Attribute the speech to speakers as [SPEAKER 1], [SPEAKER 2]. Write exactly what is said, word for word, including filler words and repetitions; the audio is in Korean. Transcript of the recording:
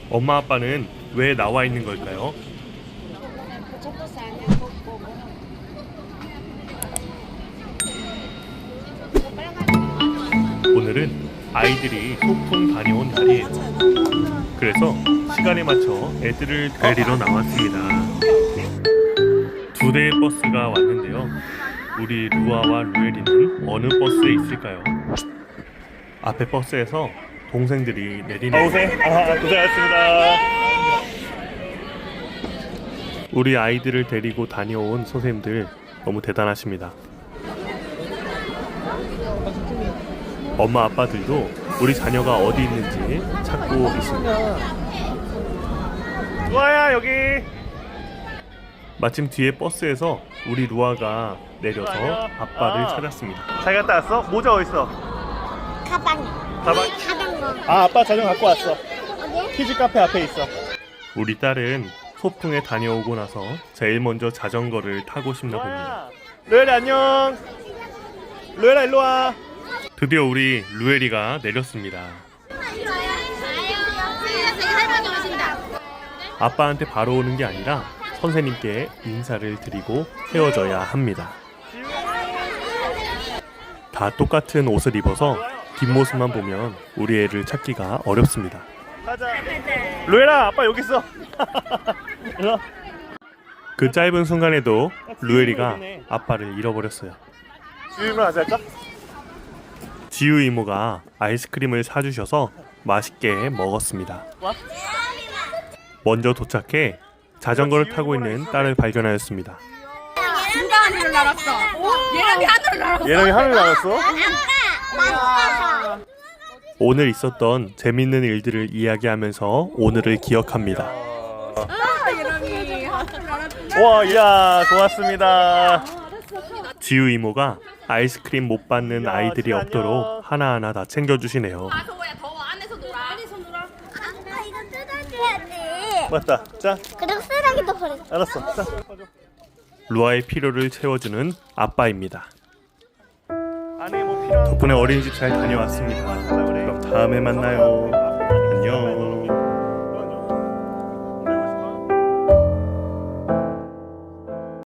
[SPEAKER 1] 엄마 아빠는 왜 나와 있는 걸까요? 오늘은 아이들이 소풍 다녀온 날이에요. 그래서 시간에 맞춰 애들을 데리러 나왔습니다. 두 대의 버스가 왔는데요. 우리 루아와 루엘이는 어느 버스에 있을까요? 앞에 버스에서 동생들이 내리는
[SPEAKER 2] 고생, 아, 고생하셨습니다.
[SPEAKER 1] 우리 아이들을 데리고 다녀온 선생님들 너무 대단하십니다. 엄마 아빠들도 우리 자녀가 어디 있는지 찾고 있습니다.
[SPEAKER 2] 루아야 여기.
[SPEAKER 1] 마침 뒤에 버스에서 우리 루아가 내려서 아빠를
[SPEAKER 2] 아.
[SPEAKER 1] 찾았습니다.
[SPEAKER 2] 잘 갔다 왔어? 모자 어딨어?
[SPEAKER 3] 가방에.
[SPEAKER 2] 가방?
[SPEAKER 3] 자전거.
[SPEAKER 2] 아, 아빠 자전거 갖고 왔어.
[SPEAKER 3] 어디?
[SPEAKER 2] 키즈 카페 앞에 있어.
[SPEAKER 1] 우리 딸은 소풍에 다녀오고 나서 제일 먼저 자전거를 타고 싶나 봅니다.
[SPEAKER 2] 루엘이 안녕. 루엘아 일로 와.
[SPEAKER 1] 드디어 우리 루엘이가 내렸습니다. 아빠한테 바로 오는 게 아니라 선생님께 인사를 드리고 헤어져야 합니다. 다 똑같은 옷을 입어서 뒷모습만 보면 우리 애를 찾기가 어렵습니다.
[SPEAKER 2] 가자. 루엘아 아빠 여기 있어. 일로 와.
[SPEAKER 1] 그 짧은 순간에도 루엘이가 아빠를 잃어버렸어요.
[SPEAKER 2] 주임을 하자 할까?
[SPEAKER 1] 지우 이모가 아이스크림을 사주셔서 맛있게 먹었습니다. 먼저 도착해 자전거를 타고 있는 딸을 발견하였습니다.
[SPEAKER 4] 누가 하늘을 날았어? 예람이 하늘을 날았어.
[SPEAKER 2] 예람이 하늘 날았어?
[SPEAKER 1] 오늘 있었던 재밌는 일들을 이야기하면서 오늘을 기억합니다.
[SPEAKER 4] 예람이 하늘을 날았어.
[SPEAKER 2] 와, 야, 고맙습니다.
[SPEAKER 1] 지우 이모가 아이스크림 못 받는
[SPEAKER 2] 야,
[SPEAKER 1] 아이들이
[SPEAKER 2] 진짜
[SPEAKER 1] 없도록
[SPEAKER 2] 안녕.
[SPEAKER 1] 하나하나 다 챙겨주시네요.
[SPEAKER 4] 아, 더워야 더워. 안에서 놀아. 안에서 놀아.
[SPEAKER 3] 아빠 이거 뜯어줘야지.
[SPEAKER 2] 맞다. 자,
[SPEAKER 3] 그럼 쓰레기도 버려.
[SPEAKER 2] 알았어. 자,
[SPEAKER 1] 루아의 필요를 채워주는 아빠입니다.
[SPEAKER 2] 안에 뭐 필요한
[SPEAKER 1] 덕분에 어린이집 잘 다녀왔습니다. 그럼 다음에 만나요. 안녕.